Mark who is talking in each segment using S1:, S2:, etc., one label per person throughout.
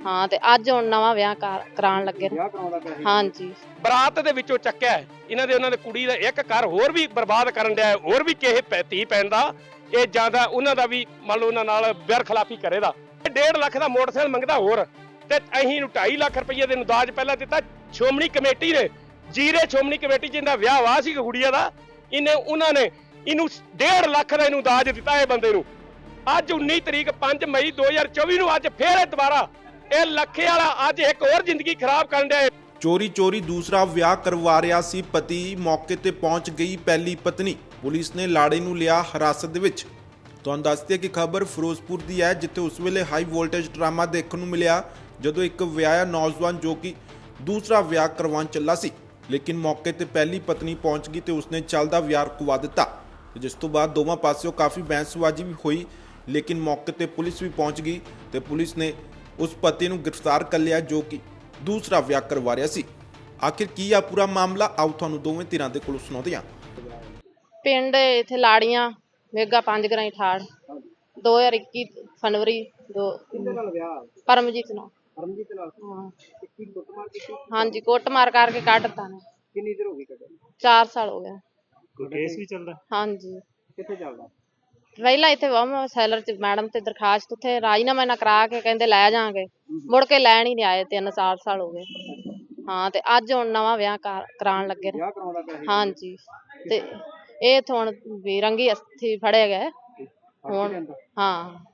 S1: हाँ ते अज हुण नवां विआह कराउण लगे ने। हाँ जी
S2: ਬਰਾਤ ਦੇ ਵਿੱਚੋਂ ਚੱਕਿਆ ਹੈ। ਇਹਨਾਂ ਦੇ ਉਹਨਾਂ ਦੇ ਕੁੜੀ ਦਾ ਇੱਕ ਘਰ ਹੋਰ ਵੀ ਬਰਬਾਦ ਕਰਨ ਡਿਆ ਹੈ, ਹੋਰ ਵੀ ਕਿਸੇ ਧੀ ਪੈਣ ਦਾ ਇਹ ਜਾਂਦਾ ਉਹਨਾਂ ਦਾ ਵੀ ਮੰਨ ਲਓ ਉਹਨਾਂ ਨਾਲ ਬੇਰਖਲਾਫੀ ਕਰੇਦਾ। 1.5 ਲੱਖ ਦਾ ਮੋਟਰਸਾਈਕਲ ਮੰਗਦਾ ਹੋਰ ਤੇ ਅਸੀਂ ਨੂੰ 2.5 ਲੱਖ ਰੁਪਏ ਦੇ ਦਾਜ ਪਹਿਲਾਂ ਦਿੱਤਾ ਸ਼੍ਰੋਮਣੀ ਕਮੇਟੀ ਨੇ। ਜੀਰੇ ਸ਼੍ਰੋਮਣੀ ਕਮੇਟੀ ਜਿੰਦਾ ਵਿਆਹ ਵਾ ਸੀ ਕੁੜੀਆਂ ਦਾ ਉਹਨਾਂ ਨੇ ਇਹਨੂੰ 1.5 ਲੱਖ ਦਾ ਇਹਨੂੰ ਦਾਜ ਦਿੱਤਾ ਇਹ ਬੰਦੇ ਨੂੰ। ਅੱਜ 19 ਤਰੀਕ 5 ਮਈ 2024 ਨੂੰ ਅੱਜ ਫੇਰ ਇਹ ਦੁਬਾਰਾ ਇਹ ਲੱਖੇ ਵਾਲਾ ਅੱਜ ਇੱਕ ਹੋਰ ਜ਼ਿੰਦਗੀ ਖਰਾਬ ਕਰਨ ਡਿਆ।
S3: ਚੋਰੀ ਦੂਸਰਾ ਵਿਆਹ ਕਰਵਾ ਰਿਹਾ ਸੀ ਪਤੀ, ਮੌਕੇ ਤੇ ਪਹੁੰਚ ਗਈ ਪਹਿਲੀ ਪਤਨੀ। ਪੁਲਿਸ ਨੇ ਲਾੜੇ ਨੂੰ ਲਿਆ ਹਿਰਾਸਤ ਦੇ ਵਿੱਚ। ਤੁਹਾਨੂੰ ਦੱਸਦੇ ਕਿ ਖਬਰ ਫਿਰੋਜ਼ਪੁਰ ਦੀ ਹੈ, ਜਿੱਥੇ ਉਸ ਵੇਲੇ ਹਾਈ ਵੋਲਟੇਜ ਡਰਾਮਾ ਦੇਖਣ ਨੂੰ ਮਿਲਿਆ ਜਦੋਂ ਇੱਕ ਵਿਆਹਿਆ ਨੌਜਵਾਨ ਜੋ ਕਿ ਦੂਸਰਾ ਵਿਆਹ ਕਰਵਾਉਣ ਚੱਲਾ ਸੀ, ਲੇਕਿਨ ਮੌਕੇ ਤੇ ਪਹਿਲੀ ਪਤਨੀ ਪਹੁੰਚ ਗਈ ਤੇ ਉਸਨੇ ਚੱਲਦਾ ਵਿਆਹ ਰੁਕਵਾ ਦਿੱਤਾ, ਜਿਸ ਤੋਂ ਬਾਅਦ ਦੋਵਾਂ ਪਾਸਿਓਂ ਕਾਫੀ ਬਹਿਸਬਾਜ਼ੀ ਵੀ ਹੋਈ। ਲੇਕਿਨ ਮੌਕੇ ਤੇ ਪੁਲਿਸ ਵੀ ਪਹੁੰਚ ਗਈ ਤੇ ਪੁਲਿਸ ਨੇ ਉਸ ਪਤੀ ਨੂੰ ਗ੍ਰਿਫਤਾਰ ਕਰ ਲਿਆ ਜੋ ਕਿ ਦੂਸਰਾ ਵਿਆਹ ਕਰਵਾ ਰਿਹਾ ਸੀ। ਆਖਿਰ ਕੀ ਆ ਪੂਰਾ ਮਾਮਲਾ, ਆਓ ਤੁਹਾਨੂੰ ਦੋਵੇਂ ਧਿਰਾਂ ਦੇ ਕੋਲੋਂ ਸੁਣਾਉਂਦੇ ਹਾਂ।
S1: पिंड इत्थे लाड़ियां मेगा 5 ग्राई ठाड़ 2021 फरवरी दो परमजीत नाल। हाँ जी कुटमार करके कढ़ता ने 4 साल हो गए।
S4: केस भी चलदा?
S1: हाँ जी पहला इत्थे वम सैलर च मैडम ते दरखास्त उत्थे राजीनामा ना करा के कहंदे लै जांगे, मुड़ के लैण ही नहीं आए। 3-4 साल हो गए। हाँ ते अज हुण नवां विआह कराउण लगे ने। हाँ जी ते ਇਹ ਹੁਣ ਵੀ ਰੰਗੀ ਅਸਥੀ ਫੜੇ ਗਏ ਹੁਣ। ਹਾਂ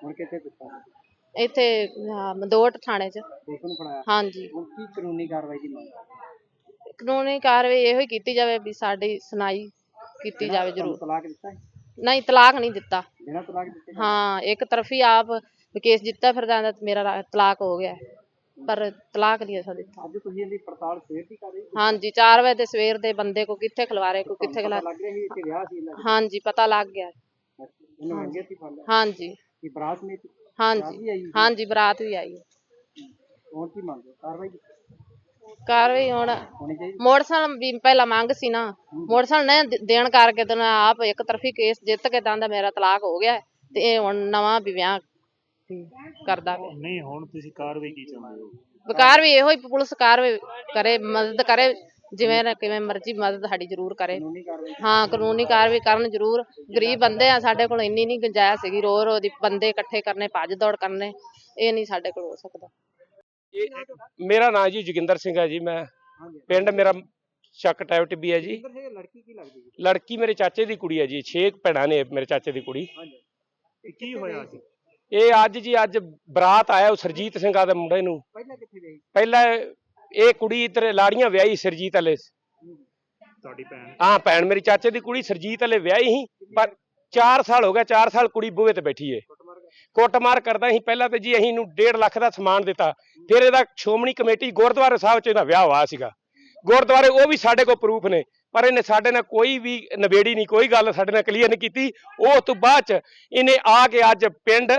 S1: ਇੱਥੇ ਮਦੋਟ ਥਾਣੇ 'ਚ। ਹਾਂ ਜੀ
S5: ਕੀ ਕਾਨੂੰਨੀ ਕਾਰਵਾਈ ਦੀ ਮੰਗ?
S1: ਕਾਨੂੰਨੀ ਕਾਰਵਾਈ ਇਹੋ ਹੀ ਕੀਤੀ ਜਾਵੇ ਵੀ ਸਾਡੀ ਸੁਣਾਈ ਕੀਤੀ ਜਾਵੇ ਜ਼ਰੂਰ।
S5: ਤਲਾਕ ਦਿੱਤਾ?
S1: ਨਹੀਂ ਤਲਾਕ ਨਹੀਂ ਦਿੱਤਾ।
S5: ਬਿਨਾਂ ਤਲਾਕ ਦਿੱਤੇ?
S1: ਹਾਂ ਇੱਕ ਤਰਫੀ ਆਪ ਕੇਸ ਜਿੱਤਾ ਫਿਰਦਾ ਮੇਰਾ ਤਲਾਕ ਹੋ ਗਿਆ पर तलाक नहीं ऐसा दिता।
S5: ਅੱਜ ਤੁਸੀਂ ਇਹਦੀ ਪੜਤਾਲ ਸਵੇਰ ਦੀ ਕਰ ਰਹੇ ਹੋ?
S1: हाँ जी 4 बजे सवेर दे बंदे को किथे खिलवारे को किथे खिला।
S5: ਲੱਗ ਰਿਹਾ ਸੀ ਇੱਥੇ ਵਿਆਹ ਸੀ ਇਹਨਾਂ ਦਾ?
S1: हाँ जी पता लग गया।
S5: ਇਹਨੂੰ ਮੰਗੇ ਸੀ ਫੜ ਲਿਆ?
S1: हाँ जी
S5: ਕੀ ਬਰਾਤ ਨੇ?
S1: हाँ जी हाँ जी बरात भी आई है।
S5: ਹੁਣ ਕੀ ਮੰਗਦੇ ਕਾਰਵਾਈ
S1: कार्रवाई हुण
S5: ਹੋਣੀ ਚਾਹੀਦੀ?
S1: मोटरसाइकिल भी पहला मांग सी ना, मोटरसाइकिल ने देण करके तो आप एक तरफी केस जित के कहंदा मेरा तलाक हो गया ते हुण नवां भी विआह करदा पिया।
S4: नहीं हुण तुसीं कार्रवाई की चाहुंदे हो?
S1: बेकार भी इहो ही पुलिस कार्रवाई करे, मदद करे जिवें किवें मर्जी मदद साडी जरूर करे।
S5: ਕਾਨੂੰਨੀ ਕਾਰਵਾਈ?
S1: हाँ कानूनी कार्रवाई करन जरूर। गरीब बंदे आ साडे कोल इन्नी नहीं गुंजाइश हैगी रो दी बंदे इकट्ठे करने भज दौड़ करने, ये नहीं साडे कोल हो सकदा।
S2: ਮੇਰਾ ਨਾਮ ਜੀ ਜੋਗਿੰਦਰ ਸਿੰਘ ਹੈ ਜੀ। ਮੈਂ ਪਿੰਡ ਮੇਰਾ ਚੱਕ ਟੈਬ ਟਿੱਬੀ ਹੈ ਜੀ।
S5: ਲੜਕੀ ਕੀ ਲੱਗਦੀ ਹੈ?
S2: ਲੜਕੀ ਮੇਰੇ ਚਾਚੇ ਦੀ ਕੁੜੀ ਹੈ ਜੀ। 6 ਭੈਣਾਂ ਨੇ ਮੇਰੇ ਚਾਚੇ ਦੀ ਕੁੜੀ।
S4: ਇਹ ਕੀ ਹੋਇਆ ਸੀ?
S2: ਇਹ ਅੱਜ ਬਰਾਤ ਆਇਆ ਉਹ ਸਰਜੀਤ ਸਿੰਘ ਆ ਦੇ ਮੁੰਡੇ ਨੂੰ।
S5: ਪਹਿਲਾਂ ਕਿੱਥੇ ਗਈ?
S2: ਪਹਿਲਾਂ ਇਹ ਕੁੜੀ ਇੱਧਰ ਲਾੜੀਆਂ ਵਿਆਹੀ ਸਰਜੀਤ ਵਾਲੇ।
S4: ਤੁਹਾਡੀ ਭੈਣ?
S2: ਹਾਂ ਭੈਣ ਮੇਰੀ ਚਾਚੇ ਦੀ ਕੁੜੀ ਸਰਜੀਤ ਵਾਲੇ ਵਿਆਹੀ ਸੀ, ਪਰ 4 ਸਾਲ ਹੋ ਗਿਆ। 4 ਸਾਲ ਕੁੜੀ ਬੂਹੇ ਤੇ ਬੈਠੀ ਏ, ਕੁੱਟਮਾਰ ਕਰਦਾ ਸੀ। ਪਹਿਲਾਂ ਤੇ ਜੀ ਅਸੀਂ ਇਹਨੂੰ 1.5 ਲੱਖ ਦਾ ਸਮਾਨ ਦਿੱਤਾ, ਫਿਰ ਇਹਦਾ ਸ਼੍ਰੋਮਣੀ ਕਮੇਟੀ ਗੁਰਦੁਆਰੇ ਸਾਹਿਬ 'ਚ ਇਹਦਾ ਵਿਆਹ ਹੋਇਆ ਸੀਗਾ। ਗੁਰਦੁਆਰੇ ਉਹ ਵੀ ਸਾਡੇ ਕੋਲ ਪ੍ਰੂਫ ਨੇ, ਪਰ ਇਹਨੇ ਸਾਡੇ ਨਾਲ ਕੋਈ ਵੀ ਨਵੇੜੀ ਨਹੀਂ, ਕੋਈ ਗੱਲ ਸਾਡੇ ਨਾਲ ਕਲੀਅਰ ਨਹੀਂ ਕੀਤੀ। ਉਸ ਤੋਂ ਬਾਅਦ 'ਚ ਇਹਨੇ ਆ ਕੇ ਅੱਜ ਪਿੰਡ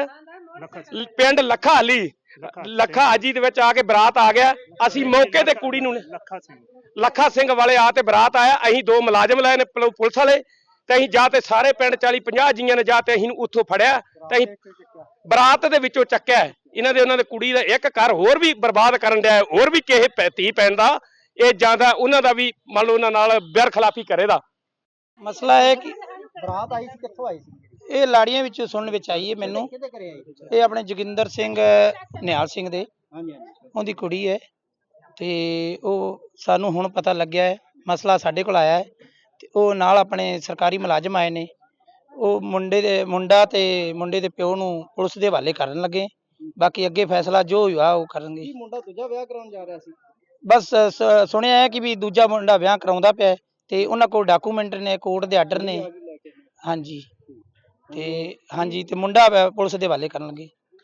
S2: ਲੱਖਾ ਹਾਜੀ ਦੇ ਵਿੱਚ ਆ ਕੇ ਬਰਾਤ ਆ ਗਿਆ। ਅਸੀਂ ਮੌਕੇ ਤੇ ਕੁੜੀ ਨੂੰ ਲੱਖਾ ਸਿੰਘ ਵਾਲੇ ਆ ਤੇ ਬਰਾਤ ਆਇਆ। ਅਸੀਂ 2 ਮੁਲਾਜ਼ਮ ਲਏ ਨੇ ਪੁਲਿਸ ਵਾਲੇ ਤੇ ਅਸੀਂ ਜਾ ਤੇ ਸਾਰੇ ਪਿੰਡ 40-50 ਜੀਆਂ ਨੇ ਜਾ ਤੇ ਅਸੀਂ ਉੱਥੋਂ ਫੜਿਆ ਤੇ ਅਸੀਂ ਬਰਾਤ ਦੇ ਵਿੱਚੋਂ ਚੱਕਿਆ। ਇਹਨਾਂ ਦੇ ਉਹਨਾਂ ਦੇ ਕੁੜੀ ਦਾ ਇੱਕ ਘਰ ਹੋਰ ਵੀ ਬਰਬਾਦ ਕਰਨ ਡਿਆ, ਹੋਰ ਵੀ ਕਿਸੇ ਧੀ ਪੈਣ ਦਾ ਇਹ ਜਾਂਦਾ ਉਹਨਾਂ ਦਾ ਵੀ ਮੰਨ ਲਓ ਉਹਨਾਂ ਨਾਲ ਬੇਰਖਲਾਫੀ ਕਰੇਦਾ।
S6: ਮਸਲਾ ਹੈ ਕਿ
S5: ਬਰਾਤ ਆਈ ਸੀ, ਕਿੱਥੋਂ ਆਈ ਸੀ?
S6: ਇਹ ਲਾੜੀਆਂ ਵਿੱਚ ਸੁਣਨ ਵਿੱਚ ਆਈ ਹੈ ਮੈਨੂੰ।
S5: ਕਿਹਦੇ ਘਰੇ ਆਈ?
S6: ਇਹ ਆਪਣੇ ਜੋਗਿੰਦਰ ਸਿੰਘ ਨਿਹਾਲ ਸਿੰਘ ਦੇ
S5: ਹਾਂਜੀ
S6: ਉਹਦੀ ਕੁੜੀ ਹੈ ਤੇ ਉਹ ਸਾਨੂੰ ਹੁਣ ਪਤਾ ਲੱਗਿਆ ਹੈ, ਮਸਲਾ ਸਾਡੇ ਕੋਲ ਆਇਆ ਹੈ ਤੇ ਉਹ ਨਾਲ ਆਪਣੇ ਸਰਕਾਰੀ ਮੁਲਾਜ਼ਮ ਆਏ ਨੇ। ਉਹ ਮੁੰਡਾ ਤੇ ਮੁੰਡੇ ਦੇ ਪਿਓ ਨੂੰ ਪੁਲਿਸ ਦੇ ਹਵਾਲੇ ਕਰਨ ਲੱਗੇ। ਬਾਕੀ ਅੱਗੇ ਫੈਸਲਾ ਜੋ ਹੋਇਆ ਉਹ ਕਰਨਗੇ।
S5: ਕੀ ਮੁੰਡਾ ਦੂਜਾ ਵਿਆਹ ਕਰਾਉਣ ਜਾ ਰਿਹਾ ਸੀ?
S6: ਬਸ ਸੁਣਿਆ ਹੈ ਕਿ ਵੀ ਦੂਜਾ ਮੁੰਡਾ ਵਿਆਹ ਕਰਾਉਂਦਾ ਪਿਆ ਤੇ ਉਹਨਾਂ ਕੋਲ ਡਾਕੂਮੈਂਟ ਨੇ, ਕੋਰਟ ਦੇ ਆਰਡਰ ਨੇ। ਹਾਂਜੀ ਤੇ ਮੁੰਡਾ ਪੁਲਿਸ ਦੇ ਹਵਾਲੇ ਕਰਨਗੇ।